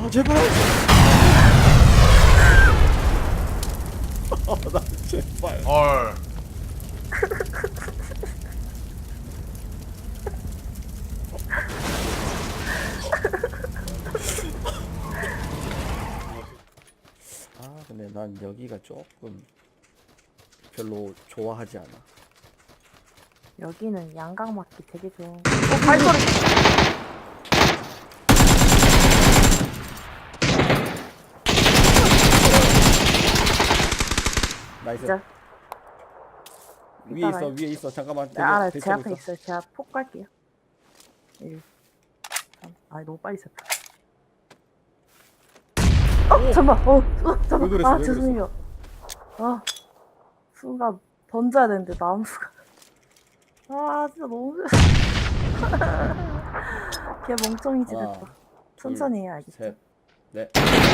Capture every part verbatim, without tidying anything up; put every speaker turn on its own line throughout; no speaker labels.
제발. 아, 나 제발.
헐.
아 근데 난 여기가 조금 별로 좋아하지 않아.
여기는 양각 맞기 되게 좋은. 어, 발소리.
나이스.
진짜.
위에 있어
이따가요.
위에 있어 잠깐만.
네, 알아요.
대기-
제 앞에
대기하고
있어요. 제가 폭 갈게요. 일, 삼. 아, 너무 빨리 쳤다. 어,
오!
잠깐만. 어, 어 잠깐만.
왜 그랬어,
아,
왜 그랬어?
죄송해요. 아, 순간 던져야 되는데 나무가. 아, 진짜 너무. 걔 멍청이지
하나,
됐다. 천천히 해야 알겠지?
셋, 넷.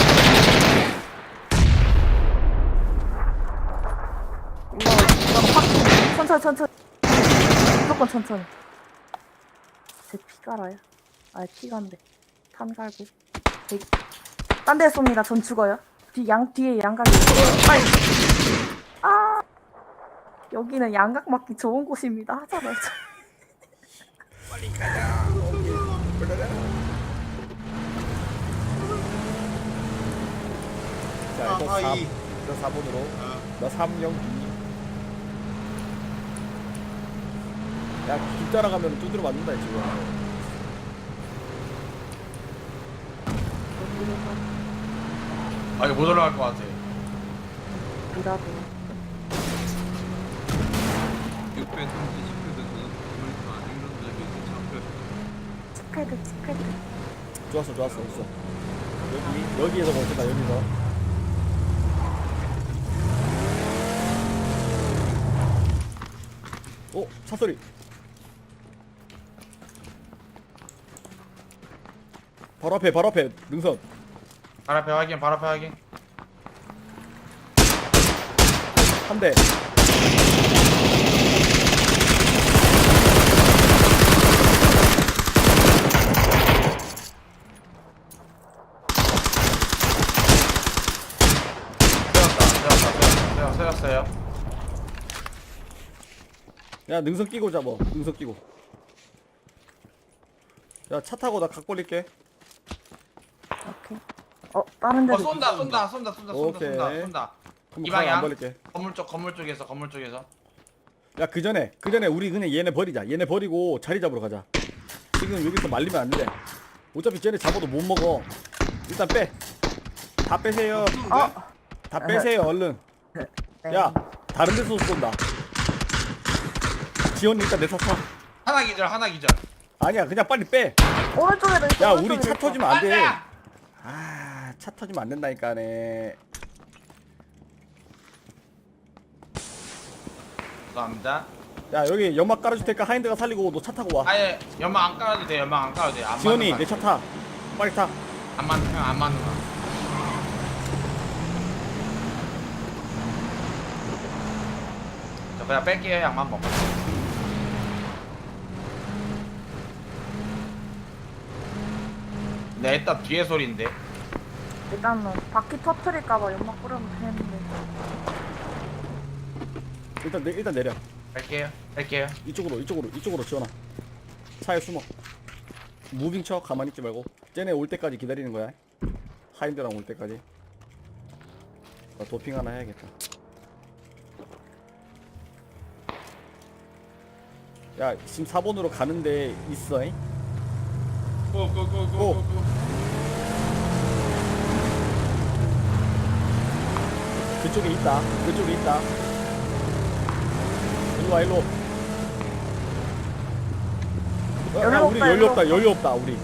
이거 이거 확 천천히 천천히 무조건 천천히. 제 피 깔아요? 아 피 간대. 탄 갈고. 딴 데 쏩니다. 전 죽어요. 뒤 양 뒤에 양각이. 빨리. 아 여기는 양각 맞기 좋은 곳입니다. 하잖아요.
빨리 가자. 자 이거
아,
사,
이.
이거 사 번으로.
어.
나 삼 영 이. 야길 따라가면 두드려 맞는다 지금.
아 이거 못 올라갈 것 같아.
미라도.
육백 삼십 표에서는 물가 행정적인 참표
치패드 치패드.
좋았어 좋았어 있어. 여기 여기에서 멈췄다 여기서. 오 차 소리. 바로 앞에 바로 앞에 능선.
발 앞에 확인, 발 앞에 확인.
한 대.
세웠다, 세웠다, 세웠다, 세웠어요.
야 능선 끼고 잡어. 능선 끼고. 야 차 타고 나 각 벌릴게.
오케이. 어 다른
어
데도.
쏜다, 쏜다, 쏜다, 쏜다, 쏜다,
오케이.
쏜다, 쏜다.
그럼
이
각 안
방향.
벌릴게.
건물 쪽, 건물 쪽에서, 건물 쪽에서.
야 그 전에 그 전에 우리 그냥 얘네 버리자. 얘네 버리고 자리 잡으러 가자. 지금 여기서 말리면 안 돼. 어차피 쟤네 잡아도 못 먹어. 일단 빼. 다 빼세요.
어.
다 빼세요 얼른.
네.
야 다른 데서 쏜다. 지원이 일단 내 차 타.
하나 기절, 하나 기절.
아니야 그냥 빨리 빼.
오른쪽에도 있어.
야 우리
오른쪽에도
차
있어.
터지면 안 돼.
안돼.
아, 차 터지면 안 된다니까네.
감사합니다.
야 여기 연막 깔아줄 테니까 하인드가 살리고 너 차 타고 와.
아예 연막 안 깔아도 돼, 연막 안 깔아도 돼. 안
지원이
맞는
내 차 타. 빨리 타.
안 맞는 거, 안 맞는 거. 저 그냥 뺄게요, 양만 먹고. 네, 일단 뒤에 소리인데.
일단은 바퀴 터트릴까봐 연막 뿌려면 되는데.
일단 내, 일단 내려.
뺄게요, 뺄게요.
이쪽으로 이쪽으로 이쪽으로 지원아. 차에 숨어. 무빙 쳐 가만히 있지 말고. 쟤네 올 때까지 기다리는 거야. 하인드랑 올 때까지. 나 도핑 하나 해야겠다. 야 지금 사 번으로 가는데 있어잉?
고고고고고.
그쪽에 있다. 그쪽에 있다. 일로 와 일로. 어, 야,
연료
우리
없다,
연료
연료
없다. 연료 없다 우리.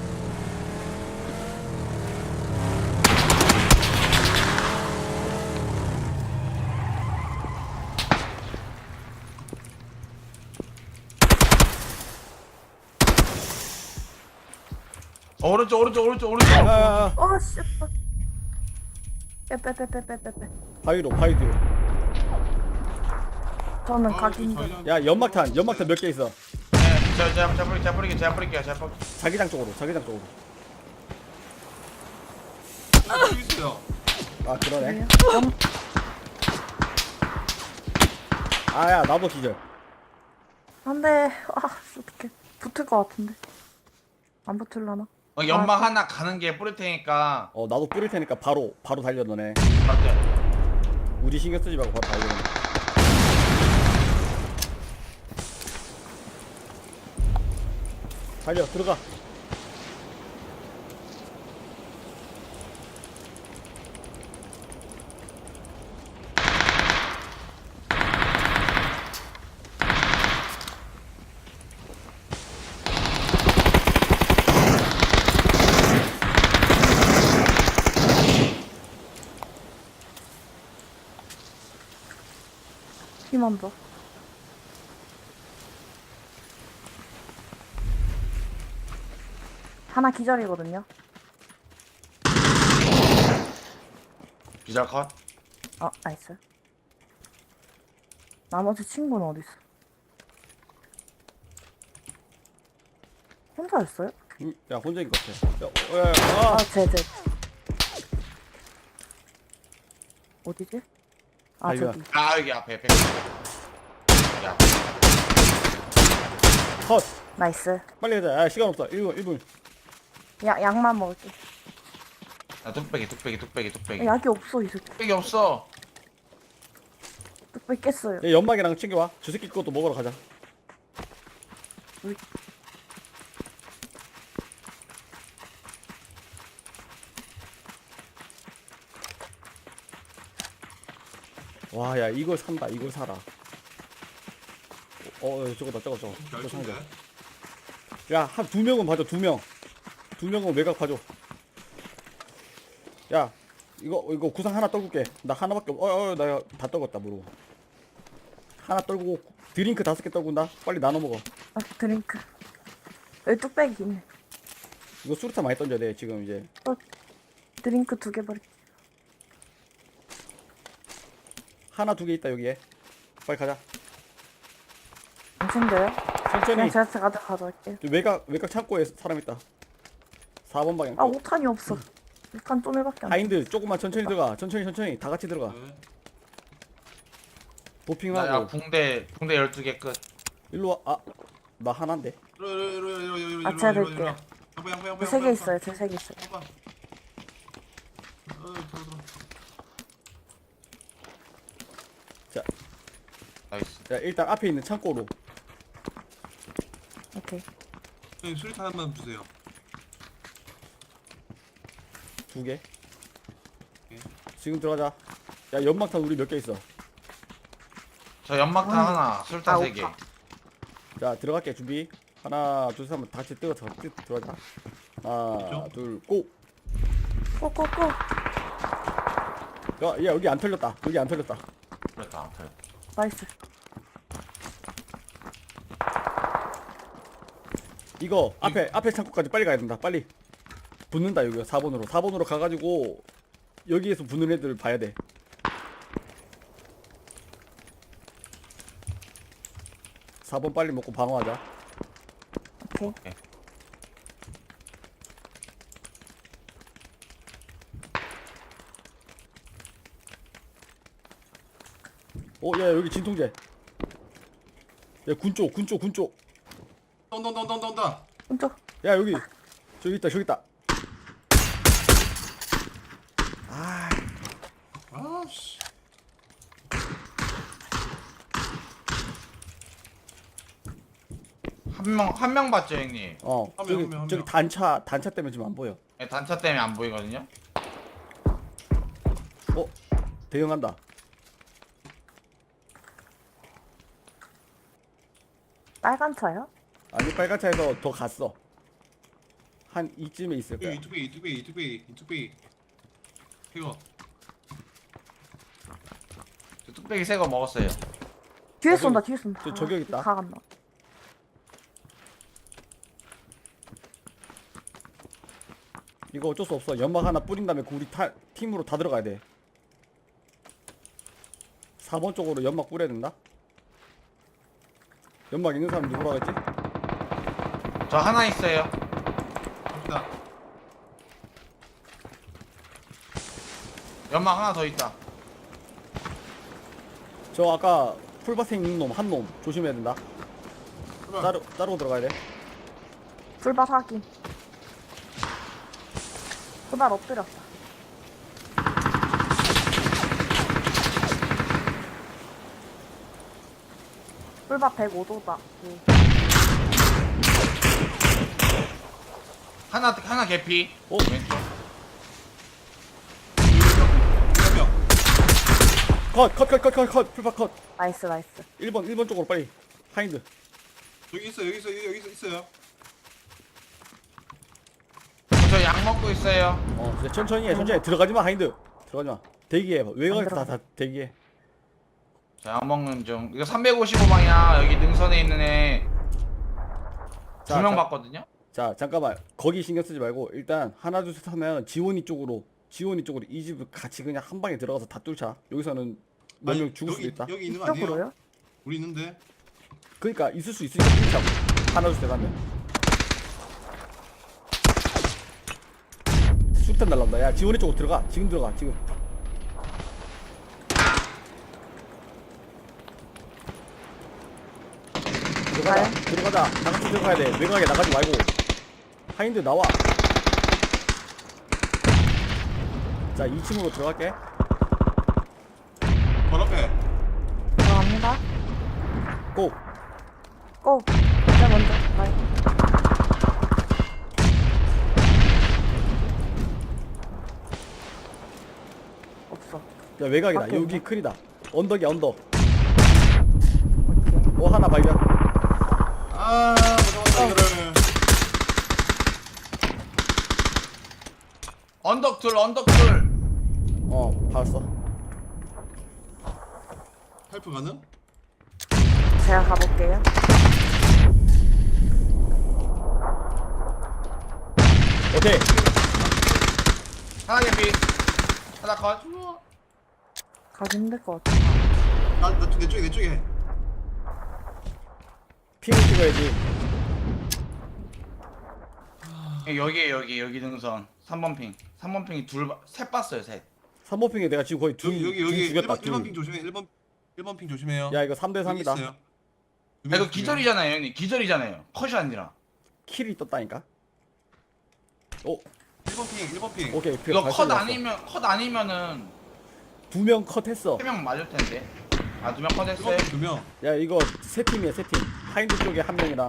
어, 오른쪽, 오른쪽, 오른쪽, 오른쪽.
야야야.
어 씨. 빼빼빼빼빼빼빼.
바위로 바위 뒤로.
저는 가기 힘들어.
야 연막탄 연막탄 몇 개 있어.
네, 저, 저, 저 뿌리, 저 뿌리게, 저 뿌릴게요, 저 뿌릴게요.
자기장 쪽으로 자기장 쪽으로.
있어요.
아 그러네.
그래요? 음,
아야 나도 기절.
안돼. 아 어떡해. 붙을 것 같은데. 안 붙을라나?
어, 연막
아,
하나 가는 게 뿌릴 테니까.
어 나도 뿌릴 테니까 바로 바로 달려 너네.
맞죠?
우리 신경 쓰지 말고 바로 달려. 달려 들어가.
힘만 더. 하나 기절이거든요.
기절 컷.
아, 나이스. 나머지 친구는 어디 있어? 혼자였어요?
응, 야 혼자인 것 같아. 야, 어, 야, 야,
아,
아.
제, 제. 어디지? 아,
아이고야.
저기.
아 여기 앞에 백. 여기 앞에.
컷.
나이스.
빨리 가자. 아 시간 없어. 일 분 일 분.
야, 약만 먹을게.
아 뚝배기 뚝배기 뚝배기 뚝배기.
약이 없어, 이 새끼.
뚝배기 없어.
뚝배기 깼어요.
야, 연막이랑 챙겨와. 저 새끼 것도 먹으러 가자.
우리-
와, 야 이걸 산다. 이걸 사라. 어, 어 저거다, 저거, 저거. 저거 사는
결승대.
거. 야, 한 두 명은 봐줘. 두 명. 두 명은 외곽 봐줘. 야, 이거 이거 구상 하나 떨굴게. 나 하나밖에 없. 어, 어, 나 다 떨궜다 모르고. 하나 떨구고 드링크 다섯 개 떨군다. 빨리 나눠 먹어.
아, 드링크. 여기 뚝배기 있네.
이거 수류탄 많이 던져야 돼. 지금 이제.
어, 드링크 두 개 버릴게.
하나 두 개 있다 여기에. 빨리 가자.
안 챙겨요?
천천히.
그냥 제가 제가 가져갈게요.
저 외곽 외곽 창고에 사람 있다. 사 번 방향.
아, 오 탄이 없어. 오 탄 좀 해밖에 안 돼.
하인드 조금만 천천히 들어가. 천천히 천천히 다 같이 들어가.
네.
나야
도핑하고
붕대 붕대 열두 개 끝.
일로 와. 아, 나 하나인데.
이리 와, 이리 와, 이리 와, 이리 와, 이리 와,
아, 제가
이리 와,
드릴게요.
양보, 양보, 양보, 양보,
세 개
양보.
있어요. 제 세 개 있어요.
양보. 어, 들어, 들어.
자,
나이스.
자 일단 앞에 있는 창고로.
오케이.
형님 수리탄 한번 주세요.
두 개.
오케이.
지금 들어가자. 야 연막탄 우리 몇 개 있어.
저 연막탄
음.
하나, 술탄
아,
세 개.
오빠.
자 들어갈게. 준비. 하나 둘셋 한번 다 같이 뜨어서 들어가자. 하나
그렇죠?
둘 고.
꼬꼬꼬.
야, 야 여기 안 털렸다. 여기 안 털렸다.
그랬다. 그래.
나이스.
이거 앞에 앞에 창고까지 빨리 가야 된다. 빨리. 붙는다 여기 사 번으로. 사 번으로 가가지고 여기에서 붙는 애들 봐야 돼. 사 번 빨리 먹고 방어하자.
오케이.
어, 야 여기 진통제. 야 군쪽, 군쪽, 군쪽.
온다, 온다, 온다, 온다, 온다.
왼쪽.
야 여기 저기 있다, 저기 있다. 아,
아, 씨.
한 명 한 명 봤죠, 형님?
어
한 명,
저기
한 명, 한
저기
명.
단차 단차 때문에 지금 안 보여.
네, 단차 때문에 안 보이거든요.
어, 대응한다.
빨간 차요?
아니 빨간 차에서 더 갔어. 한 이쯤에 있을 거야.
이투비, 이투비, 이투비, 이투비. 이거.
저 뚝배기 새 거 먹었어요.
뒤에
아,
쏜다.
저기-
뒤에 쏜다.
저- 저기 여기 있다.
다 갔나?
이거 어쩔 수 없어. 연막 하나 뿌린 다음에 그 우리 타, 팀으로 다 들어가야 돼. 사 번 쪽으로 연막 뿌려야 된다. 연막 있는 사람 누구라고 했지?
저 하나 있어요.
갑니다.
연막 하나 더 있다.
저 아까 풀밭에 있는 놈 한 놈 조심해야 된다.
제발.
따로 따로 들어가야 돼.
불밭 확인. 그날 엎드렸다. 불밭 백오 도다.
하나 하나 개피.
어?
왼쪽.
명.
컷 컷 컷 컷 컷 컷 풀밭 컷.
나이스 나이스.
일 번 일 번 쪽으로 빨리. 하인드.
여기 있어 여기 있어 여기 있어 있어요.
저 약 먹고 있어요.
어 이제 천천히 해 천천히 해. 들어가지 마 하인드. 들어가지 마. 대기해. 외곽에서 다,
들어가.
다 대기해.
자, 약 먹는 중. 이거 삼백오십오 방이야. 여기 능선에 있는 애 두
자,
명
자.
봤거든요.
자 잠깐만 거기 신경 쓰지 말고 일단 하나 둘 셋 하면 지원이 쪽으로 지원이 쪽으로 이 집을 같이 그냥 한 방에 들어가서 다 뚫자. 여기서는 몇 명
아니,
죽을 수도
여기,
있다.
여기 있는 거 아니에요?
이쪽으로요?
우리 있는데.
그러니까 있을 수 있으니까 뚫자고. 하나 둘 셋 하면. 수탄 날라온다. 야 지원이 쪽으로 들어가. 지금 들어가. 지금. 들어가자.
가요?
들어가자. 다 같이 들어가야 돼. 외곽에 나가지 말고. 하인드 나와. 자 이 층으로 들어갈게.
바로 앞에.
들어갑니다.
고.
고. 이제 먼저 가요. 없어.
야 외곽이다.
밖에
여기
있나?
클이다. 언덕이야 언덕.
오케이.
어 하나 발견.
아, 못 잡았다 이거를.
언덕 둘, 언덕 둘.
어 봤어.
헬프 가능?
제가 가볼게요.
오케이.
하나 개피. 하나 컷.
가기 힘들 것 같아.
나나 내 쪽에 내 쪽에.
핑을 찍어야지.
여기 여기 여기 능선. 삼 번 핑. 삼 번 핑이 둘, 바- 셋 봤어요, 셋.
삼 번 핑에 내가 지금 거의 둘,
여기 여기
둘
여기
죽였다.
일 번 일 번
둘.
핑 조심해. 일 번 일 번 핑 조심해요.
야 이거 삼 대
여기
삼이다.
있어요. 두
아,
명,
이거
두 명.
기절이잖아요, 형님. 기절이잖아요. 컷이 아니라.
킬이 떴다니까. 오
일 번 핑 일 번 핑.
오케이.
이거 컷 아니면 컷 아니면은
두명 컷했어.
세 명 맞을 텐데. 아, 두 명 컷
일
했어요.
번 핑 두 명.
야 이거 세 팀이야 세 팀. 하인드 쪽에 한 명이랑.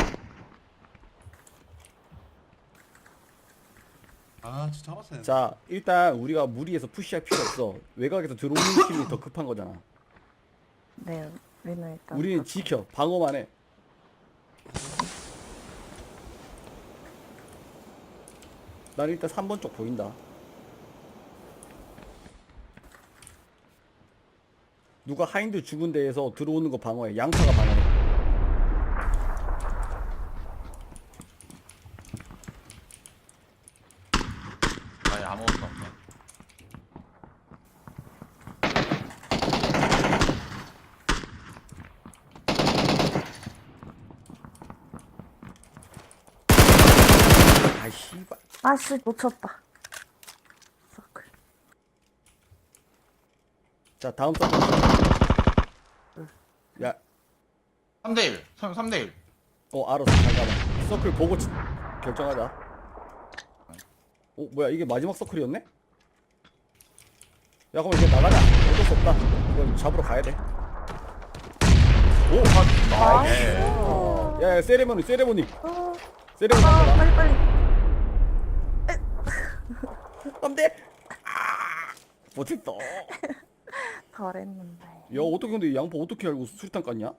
아, 진짜 잡았어요.
자 일단 우리가 무리해서 푸시할 필요 없어. 외곽에서 들어오는 팀이 더 급한 거잖아.
네. 우리는 일단.
우리는 지켜. 방어만 해. 난 일단 삼 번 쪽 보인다. 누가 하인드 죽은 데에서 들어오는 거 방어해. 양파가 방어해.
아니, 아무것도 없네.
아이 씨발.
아씨 놓쳤다. 서클.
자 다음 서클. 야,
삼 대 일. 삼 대 일.
어 알았어. 잠깐만. 서클 보고 치- 결정하자. 어 뭐야 이게 마지막 서클이었네? 야 그럼 이제 나가자. 어쩔 수 없다. 이거 잡으러 가야 돼. 오,
나이스.
야, 야 세레모니 세레모니
어,
세레모니
아,
한다.
빨리 빨리.
안돼. 아, 못했다.
잘했는데.
야 어떻게 근데 이 양파 어떻게 알고 수류탄 깠냐?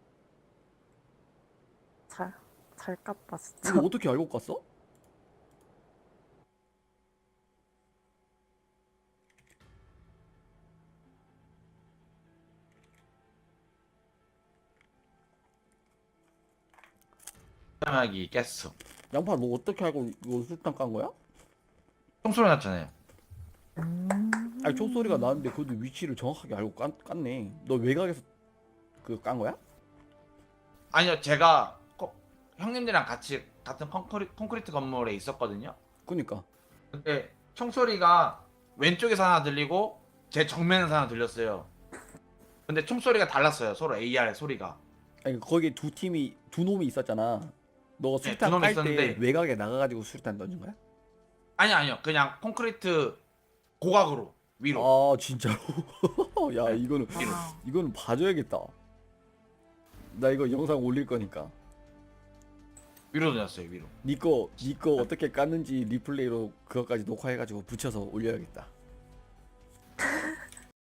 잘, 잘 깠다 진짜.
이거 어떻게 알고 깠어?
사람이 깼어.
양파 너 어떻게 알고 이거 수류탄 깐 거야?
총소리 났잖아요.
음.
아니 총소리가 나는데 그것도 위치를 정확하게 알고 깐, 깠네. 너 외곽에서 그 깐 거야?
아니요, 제가 꼭 형님들이랑 같이 같은 콘크리, 콘크리트 건물에 있었거든요.
그니까.
근데 총소리가 왼쪽에서 하나 들리고 제 정면에서 하나 들렸어요. 근데 총소리가 달랐어요. 서로 에이알 소리가.
아니 거기 두 팀이 두 놈이 있었잖아. 너가
네,
수류탄
두 놈이
깔 때
있었는데
외곽에 나가가지고 수류탄 던진 거야?
아니 아니요. 그냥 콘크리트 고각으로 위로.
아 진짜로? 야
네.
이거는
위로.
아,
이거는 봐줘야겠다. 나 이거 영상 올릴 거니까.
위로 던졌어요. 위로.
니꺼 니꺼 어떻게 깠는지 리플레이로 그것까지 녹화해가지고 붙여서 올려야겠다.